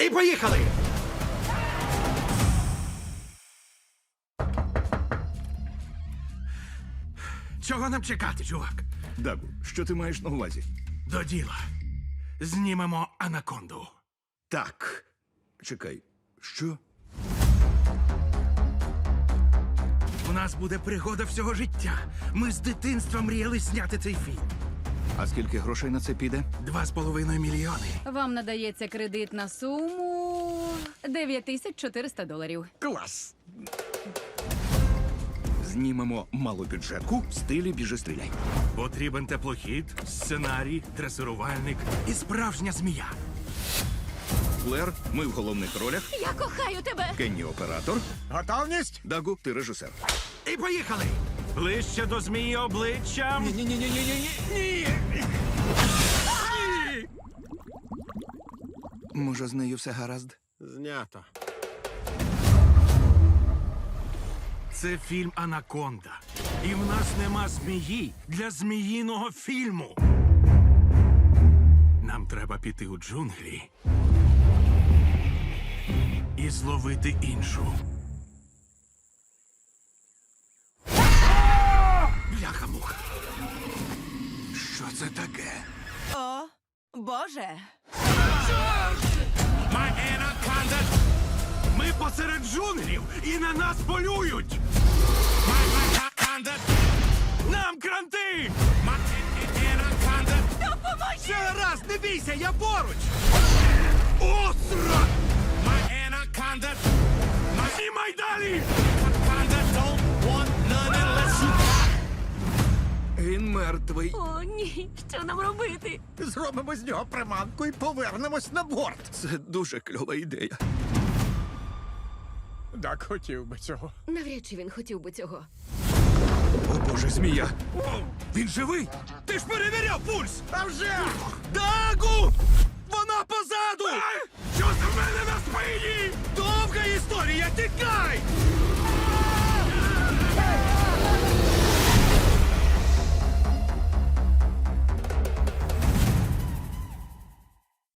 І поїхали! Чого нам чекати, чувак? Дагу, що ти маєш на увазі? До діла. Знімемо анаконду. Так. Чекай, що? У нас буде пригода всього життя. Ми з дитинства мріяли зняти цей фільм. А скільки грошей на це піде? 2,5 мільйони. Вам надається кредит на суму $9400. Клас! Знімемо малобюджетку в стилі біжи-стріляй. Потрібен теплохід, сценарій, дресирувальник і справжня змія. Флер, ми в головних ролях. Я кохаю тебе! Кенні оператор. Готовність? Дагу, ти режисер. І поїхали! Ближче до змії обличчям. Ні. Може, з нею все гаразд? Знято. Це фільм «Анаконда». І в нас нема змії для зміїного фільму. Нам треба піти у джунглі і зловити іншу. Бляха-муха. Що це таке? О, Боже! My Anaconda! Ми посеред джунглів і на нас полюють! My Anaconda! Нам кранти! My Anaconda! Допоможіть! Все гаразд, не бійся, я поруч! Остра! My Anaconda! Знімай далі! Anaconda don't want none unless you... Він мертвий. О, ні, що нам робити? Зробимо з нього приманку і повернемось на борт. Це дуже кльова ідея. Так хотів би цього. Навряд чи він хотів би цього. О, Боже, змія! Він живий! Ти ж перевіряв пульс! А вже! Дагу! Вона позаду! Що за мене на спині? Довга історія, тікай!